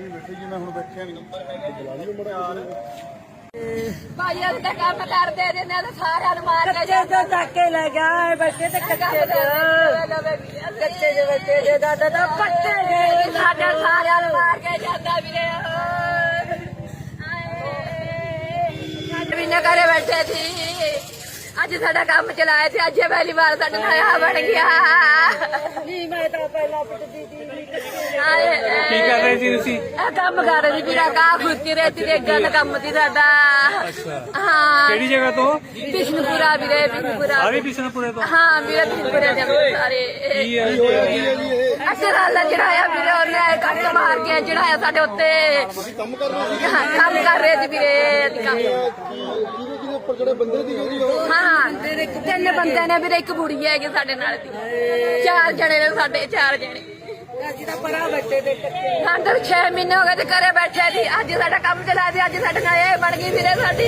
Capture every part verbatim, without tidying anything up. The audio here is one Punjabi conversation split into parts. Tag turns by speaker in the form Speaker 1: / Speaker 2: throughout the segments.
Speaker 1: ਬੈਠੇ ਜੀ, ਮੈਂ ਹੁਣ ਬੈਠਿਆ ਨਹੀਂ ਬੁਲਾ ਲਿਓ ਮੜਾ
Speaker 2: ਭਾਈ ਅਸੀਂ ਤਾਂ ਕੰਮ ਕਰਦੇ ਨੇ ਨਾ ਸਾਰਿਆਂ ਨੂੰ ਮਾਰ ਕੇ
Speaker 3: ਕੱਚੇ ਤੋਂ ਧੱਕੇ ਲੈ ਗਿਆ ਬੱਚੇ ਤੇ ਕੱਚੇ ਚ ਕੱਚੇ ਦੇ ਬੱਚੇ ਦੇ ਦਾਦਾ ਦਾ ਪੱਟੇ ਦੇ
Speaker 2: ਸਾਡੇ ਸਾਰਿਆਂ ਨੂੰ ਮਾਰ ਕੇ ਜਾਂਦਾ ਵੀਰੇ ਸਾਡੇ ਵੀ ਨਾ ਘਰੇ ਬੈਠੇ ਸੀ ਅੱਜ ਸਾਡਾ ਕੰਮ ਚਲਾਇਆ ਸੀ ਅੱਜ ਪਹਿਲੀ ਵਾਰ ਸਾਡਾ ਨਇਆ ਬਣ ਗਿਆ
Speaker 3: ਨਹੀਂ ਮੈਂ ਤਾਂ ਪਹਿਲਾਂ ਪਿੱਟਦੀ ਸੀ
Speaker 4: ਕੀ ਕਰ ਰਹੇ ਸੀ ਤੁਸੀਂ?
Speaker 2: ਇਹ ਕੰਮ ਕਰ ਰਹੀ ਸੀ ਵੀਰਾ ਕਾ ਖੁੱਤੀ ਰਹੀ ਤੇ ਗੰਨ ਕੰਮ ਸੀ ਸਾਡਾ ਹਾਂ
Speaker 4: ਕਿਹੜੀ ਜਗ੍ਹਾ ਤੋਂ?
Speaker 2: ਬਿਸ਼ਨਪੁਰਾ ਵੀਰੇ ਬਿਸ਼ਨਪੁਰਾ
Speaker 4: ਆ ਵੀ ਬਿਸ਼ਨਪੁਰੇ ਤੋਂ?
Speaker 2: ਹਾਂ ਵੀਰੇ ਬਿਸ਼ਨਪੁਰੇ ਦੇ ਸਾਰੇ
Speaker 4: ਕੀ ਹੈ ਜੀ?
Speaker 2: ਅਸਰਾਲਾ ਚੜਾਇਆ ਵੀਰੇ ਉਹਨੇ ਕੱਟ ਮਾਰ ਕੇ ਚੜਾਇਆ ਸਾਡੇ ਉੱਤੇ
Speaker 1: ਕੰਮ ਕਰ ਰਹੇ ਸੀ
Speaker 2: ਹਾਂ, ਕੰਮ ਕਰ ਰਹੇ ਸੀ ਵੀਰੇ ਅਸੀਂ ਕੰਮ
Speaker 1: ਕਿਹਦੇ ਕਿਹਦੇ ਉੱਪਰ ਜਿਹੜੇ ਬੰਦੇ ਦੀ ਜਿਹੜੀ ਉਹ
Speaker 2: ਹਾਂ ਤਿੰਨ ਬੰਦੇ ਨੇ ਵੀਰੇ ਇੱਕ ਬੁੜੀ ਹੈਗੀ ਸਾਡੇ ਨਾਲ ਦੀ ਚਾਰ ਜਣੇ ਨੇ ਸਾਡੇ ਚਾਰ ਜਣੇ
Speaker 3: ਅਸੀਂ ਤਾਂ ਪਰਾਂ ਬੱਚੇ ਦੇ ਕੱਚੇ
Speaker 2: ਸਾਨੂੰ ਛੇ ਮਹੀਨੇ ਹੋ ਗਏ ਤੇ ਘਰੇ ਬੈਠੇ ਸੀ ਅੱਜ ਸਾਡਾ ਕੰਮ ਚਲਾ ਸੀ ਅੱਜ ਸਾਡੇ ਨਾਲ ਇਹ ਬਣ ਗਈ ਵੀਰੇ ਸਾਡੀ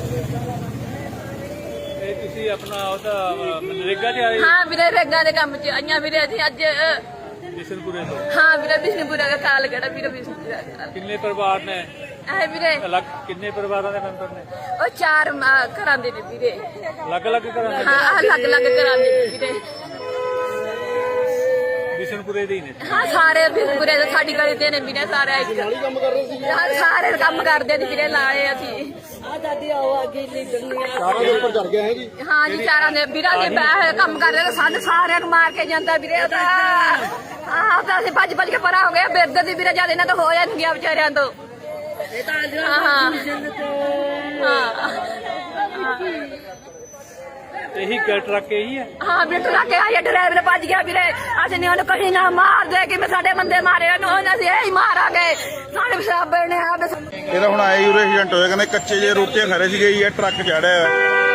Speaker 4: ਇਹ ਤੁਸੀਂ ਆਪਣਾ ਉਹਦਾ ਨਰੇਗਾ ਤੇ ਆਏ
Speaker 2: ਹਾਂ ਵੀਰੇ ਰੇਗਾ ਦੇ ਕੰਮ ਚ ਆਈਆਂ ਵੀਰੇ ਅਸੀਂ ਅੱਜ
Speaker 4: ਬਿਸ਼ਨਪੁਰੇ ਤੋਂ?
Speaker 2: ਹਾਂ ਵੀਰੇ ਬਿਸ਼ਨਪੁਰਾ ਦਾ ਕਾਲ ਗੜਾ ਵੀਰੇ ਬਿਸ਼ਨਪੁਰਾ ਦਾ
Speaker 4: ਕਿੰਨੇ ਪਰਿਵਾਰ ਨੇ?
Speaker 2: ਐ ਵੀਰੇ
Speaker 4: ਅਲੱਗ ਕਿੰਨੇ ਪਰਿਵਾਰਾਂ ਦੇ ਮੈਂਬਰ ਨੇ?
Speaker 2: ਉਹ ਚਾਰ ਅਹ, ਘਰਾਂ ਦੇ ਨੇ ਵੀਰੇ
Speaker 4: ਅਲੱਗ ਅਲੱਗ ਘਰਾਂ ਦੇ?
Speaker 2: ਹਾਂ ਅਲੱਗ ਅਲੱਗ ਘਰਾਂ ਦੇ ਨੇ ਵੀਰੇ
Speaker 4: ਬਿਸ਼ਨਪੁਰੇ ਦੇ ਹੀ ਨੇ?
Speaker 2: ਹਾਂ ਸਾਰੇ ਬਿਸ਼ਨਪੁਰੇ ਦੇ ਸਾਡੀ ਗਲੀ ਦੇ ਨੇ ਵੀਰੇ ਸਾਰੇ ਇੱਕ
Speaker 1: ਕੰਮ ਕਰ ਰਹੇ ਸੀ
Speaker 2: ਹਾਂ, ਸਾਰੇ ਕੰਮ ਕਰਦੇ ਨੇ ਵੀਰੇ ਲਾਏ ਅਸੀਂ
Speaker 3: ਆ ਦਾਦੀ ਆਓ ਅੱਗੇ ਨਹੀਂ ਦੁਨੀਆ
Speaker 1: ਸਾਰਾ ਦੇ ਉੱਪਰ ਚੜ ਗਿਆ ਹੈ ਜੀ
Speaker 2: ਹਾਂ ਜੀ ਚਾਰਾਂ ਦੇ ਵੀਰਾਂ ਦੇ ਬਹਿ ਕੰਮ ਕਰ ਰਹੇ ਨੇ ਸਾਨੂੰ ਸਾਰਿਆਂ ਨੂੰ ਮਾਰ ਕੇ ਜਾਂਦਾ ਵੀਰੇ ਉਹਦਾ ਹਾਂ ਤਾਂ ਅਸੀਂ ਭੱਜ ਭੱਜ ਕੇ ਪਰਾਂ ਹੋ ਗਏ ਬਿਰਦ ਦੀ ਵੀਰੇ ਜਦ ਇਹਨਾਂ ਤੋਂ ਹੋ ਜਾਣਗੀਆਂ ਵਿਚਾਰਿਆਂ ਤੋਂ
Speaker 3: ਇਹ ਤਾਂ ਅੱਜ
Speaker 2: ਹਾਂ ਹਾਂ ਹਾਂ
Speaker 4: ਇਹੀ ਗ- ਟਰੱਕ ਇਹੀ ਹੈ?
Speaker 2: ਹਾਂ ਵੀਰੇ ਟਰਾ ਕੇ ਆਇਆ ਡਰਾਈਵਰ ਭੱਜ ਗਿਆ ਵੀਰੇ ਅਸੀਂ ਨੇ ਉਹਨੂੰ ਕਹੀ ਨਾ ਮਾਰ ਦੇ ਕਿ ਮੈਂ ਸਾਡੇ ਬੰਦੇ ਮਾਰੇ ਉਹਨੂੰ ਉਹਨਾਂ ਅਸੀਂ ਇਹੀ ਮਾਰਾਂਗੇ ਸਾਡੇ ਸਾਬੇ ਨੇ ਆ
Speaker 1: ਇਹਦਾ ਹੁਣ ਆਏ ਯੂਰੇ ਏਜੰਟ ਹੋਇਆ ਕਹਿੰਦੇ ਕੱਚੇ ਜੇ ਰੋਟੀਆਂ ਖਾ ਰਹੇ ਸੀਗੇ ਇਹ ਟਰੱਕ ਚੜਿਆ